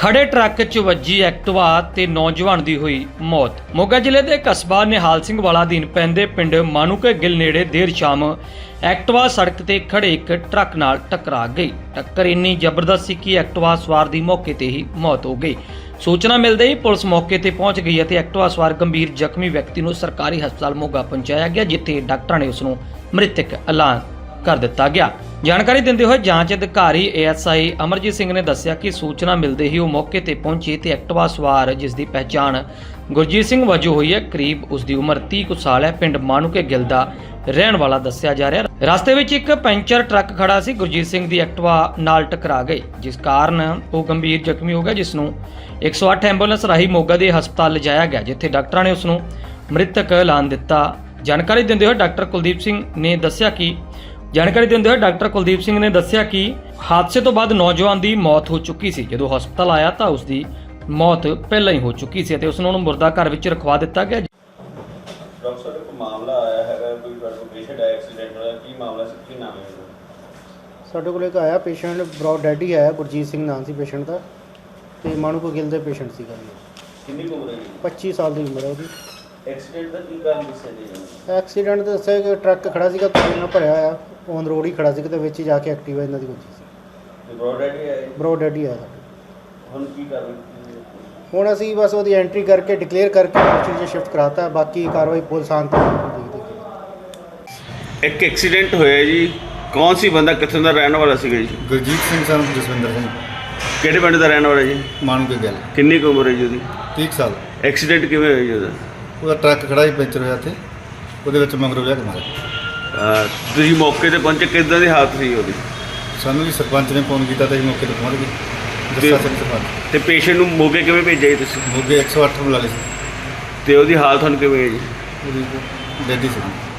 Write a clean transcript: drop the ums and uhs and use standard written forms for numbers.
ਖੜੇ ਟਰੱਕ 'ਚ ਵੱਜੀ ਐਕਟਿਵਾ ਤੇ ਨੌਜਵਾਨ ਦੀ ਹੋਈ ਮੌਤ। ਮੋਗਾ ਜ਼ਿਲ੍ਹੇ ਦੇ ਕਸਬਾ ਨਿਹਾਲ ਸਿੰਘ ਵਾਲਾ ਅਧੀਨ ਪੈਂਦੇ ਪਿੰਡ ਮਾਨੂਕੇ ਗਿੱਲ ਨੇੜੇ ਦੇਰ ਸ਼ਾਮ ਐਕਟਿਵਾ ਸੜਕ ਤੇ ਖੜੇ ਇੱਕ ਟਰੱਕ ਨਾਲ ਟਕਰਾ ਗਈ। ਟੱਕਰ ਇੰਨੀ ਜ਼ਬਰਦਸਤ ਸੀ ਕਿ ਐਕਟਿਵਾ ਸਵਾਰ ਦੀ ਮੌਕੇ ਤੇ ਹੀ ਮੌਤ ਹੋ ਗਈ। ਸੂਚਨਾ ਮਿਲਦੇ ਹੀ ਪੁਲਿਸ ਮੌਕੇ ਤੇ ਪਹੁੰਚ ਗਈ ਅਤੇ ਐਕਟਿਵਾ ਸਵਾਰ ਗੰਭੀਰ ਜ਼ਖਮੀ ਵਿਅਕਤੀ ਨੂੰ ਸਰਕਾਰੀ ਹਸਪਤਾਲ ਮੋਗਾ ਪਹੁੰਚਾਇਆ ਗਿਆ, ਜਿੱਥੇ ਡਾਕਟਰਾਂ ਨੇ ਉਸ ਨੂੰ ਮ੍ਰਿਤਕ ਐਲਾਨ ਕਰ ਦਿੱਤਾ ਗਿਆ। ਜਾਣਕਾਰੀ ਦਿੰਦੇ ਹੋਏ ਜਾਂਚ ਅਧਿਕਾਰੀ ASI ਅਮਰਜੀਤ ਸਿੰਘ ਨੇ ਦੱਸਿਆ ਕਿ ਸੂਚਨਾ ਮਿਲਦੇ ਹੀ ਉਹ ਮੌਕੇ ਤੇ ਪਹੁੰਚੇ ਤੇ ਐਕਟਿਵਾ ਸਵਾਰ, ਜਿਸ ਦੀ ਪਹਿਚਾਣ ਗੁਰਜੀਤ ਸਿੰਘ ਵਜੋਂ ਹੋਈ ਹੈ, ਕਰੀਬ ਉਸ ਦੀ ਉਮਰ 30 ਕੁ ਸਾਲ ਹੈ, ਪਿੰਡ ਮਾਨੂਕੇ ਗਿੱਲ ਦਾ ਰਹਿਣ ਵਾਲਾ ਦੱਸਿਆ ਜਾ ਰਿਹਾ। ਰਸਤੇ ਵਿੱਚ ਇੱਕ ਪੈਂਚਰ ਟਰੱਕ ਖੜਾ ਸੀ, ਗੁਰਜੀਤ ਸਿੰਘ ਦੀ ਐਕਟਿਵਾ ਨਾਲ ਟਕਰਾ ਗਈ, ਜਿਸ ਕਾਰਨ ਉਹ ਗੰਭੀਰ ਜ਼ਖਮੀ ਹੋ ਗਿਆ, ਜਿਸ ਨੂੰ 108 ਐਂਬੂਲੈਂਸ ਰਾਹੀਂ ਮੋਗਾ ਦੇ ਹਸਪਤਾਲ ਲਿਜਾਇਆ ਗਿਆ, ਜਿੱਥੇ ਡਾਕਟਰਾਂ ਨੇ ਉਸ ਨੂੰ ਮ੍ਰਿਤਕ ਐਲਾਨ ਦਿੱਤਾ। ਜਾਣਕਾਰੀ ਦਿੰਦੇ ਹੋਏ ਡਾਕਟਰ ਕੁਲਦੀਪ ਸਿੰਘ ਨੇ ਦੱਸਿਆ ਕਿ ਹਾਦਸੇ ਤੋਂ ਬਾਅਦ ਨੌਜਵਾਨ ਦੀ ਮੌਤ ਹੋ ਚੁੱਕੀ ਸੀ। ਜਦੋਂ ਹਸਪਤਾਲ ਆਇਆ ਤਾਂ ਉਸ ਦੀ ਮੌਤ ਪਹਿਲਾਂ ਹੀ ਹੋ ਚੁੱਕੀ ਸੀ ਅਤੇ ਉਸ ਨੂੰ ਮੁਰਦਾ ਘਰ ਵਿੱਚ ਰਖਵਾ ਦਿੱਤਾ ਗਿਆ। ਡਾਕਟਰ ਸਾਹਿਬ, ਇੱਕ ਮਾਮਲਾ ਆਇਆ ਹੈਗਾ, ਕੋਈ ਪੇਸ਼ੈਂਟ ਐਕਸੀਡੈਂਟ ਹੋਇਆ, ਕੀ ਮਾਮਲਾ ਸੀ, ਕੀ ਨਾਮ ਹੈ ਉਹਦਾ? ਸਾਡੇ ਕੋਲ ਇੱਕ ਆਇਆ ਪੇਸ਼ੈਂਟ, ਬ੍ਰੌਡ ਡੈਡ ਹੀ ਆਇਆ, ਗੁਰਜੀਤ ਸਿੰਘ ਨਾਮ ਸੀ ਪੇਸ਼ੈਂਟ ਦਾ, ਤੇ ਮਾਨੂਕੇ ਗਿੱਲ ਦੇ ਪੇਸ਼ੈਂਟ ਸੀਗਾ ਜੀ। ਕਿੰਨੀ ਕੁ ਉਮਰ ਹੈ ਜੀ? 25 ਸਾਲ ਦੀ ਉਮਰ ਹੈ ਉਹਦੀ। ਐਕਸੀਡੈਂਟ ਦਾ ਕੀ ਕਾਰਨ ਦੱਸਿਆ ਜੀ? ਐਕਸੀਡੈਂਟ ਤਾਂ ਦੱਸਿਆ ਕਿ ਟਰੱਕ ਖੜਾ ਸੀਗਾ, ਤੇਲ ਨਾਲ ਭਰਿਆ ਆ, ਔਨ ਰੋਡ ਹੀ ਖੜਾ ਸੀ, ਤੇ ਵਿੱਚ ਹੀ ਜਾ ਕੇ ਐਕਟਿਵਾ ਇਹਨਾਂ ਦੀ ਵੱਜੀ ਸੀ। ਤੇ ਬ੍ਰੌਡ ਡੈਡ ਹੀ ਆਇਆ? ਬ੍ਰੌਡ ਡੈਡ ਹੀ ਆਇਆ ਸਾਡੇ। ਹੁਣ ਕੀ ਕਰ ਰਹੇ? ਹੁਣ ਅਸੀਂ ਬਸ ਉਹਦੀ ਐਂਟਰੀ ਕਰਕੇ ਡਿਕਲੇਅਰ ਕਰਕੇ ਹਸਪਤਾਲ 'ਚ ਸ਼ਿਫਟ ਕਰਾਤਾ, ਬਾਕੀ ਕਾਰਵਾਈ ਪੁਲਿਸ ਆਉਣ ਤੋਂ ਦੇਖਦੇ। ਇੱਕ ਐਕਸੀਡੈਂਟ ਹੋਇਆ ਜੀ, ਕੌਣ ਸੀ ਬੰਦਾ, ਕਿੱਥੋਂ ਦਾ ਰਹਿਣ ਵਾਲਾ ਸੀਗਾ ਜੀ? ਗੁਰਜੀਤ ਸਿੰਘ ਸਨ ਜਸਵਿੰਦਰ ਸਿੰਘ, ਕਿਹੜੇ ਪਿੰਡ ਦਾ ਰਹਿਣ ਵਾਲਾ ਜੀ? ਮਾਨੂਕੇ ਗਿੱਲ। ਕਿੰਨੀ ਕੁ ਉਮਰ ਹੈ ਜੀ ਉਹਦੀ? 30 ਸਾਲ। ਐਕਸੀਡੈਂਟ ਕਿਵੇਂ ਹੋਇਆ ਜੀ ਉਹਦਾ? ਉਹਦਾ ਟਰੱਕ ਖੜਾ ਹੀ ਪੈਂਚਰ ਹੋਇਆ ਤੇ ਉਹਦੇ ਵਿੱਚ ਮਗਰੋਂ ਲਿਆ ਕੇ ਮਾਰਿਆ। ਤੁਸੀਂ ਮੌਕੇ ਤੇ ਪਹੁੰਚੇ, ਕਿੱਦਾਂ ਦੀ ਹਾਲਤ ਸੀ ਉਹਦੀ? ਸਾਨੂੰ ਵੀ ਸਰਪੰਚ ਨੇ ਫੋਨ ਕੀਤਾ ਤੇ ਅਸੀਂ ਮੌਕੇ ਤੇ ਪਹੁੰਚ ਗਏ। ਜੱਸਾ ਸਿੰਘ ਸਰਪੰਚ। ਤੇ ਪੇਸ਼ੈਂਟ ਨੂੰ ਮੋਗੇ ਕਿਵੇਂ ਭੇਜਿਆ ਜੀ ਤੁਸੀਂ? ਮੋਗੇ 108 ਬੁਲਾ ਲਏ ਸੀ। ਤੇ ਉਹਦੀ ਹਾਲਤ ਹੁਣ ਕਿਵੇਂ ਹੈ ਜੀ? ਉਹਦੀ ਡੈਡੀ ਸੀ।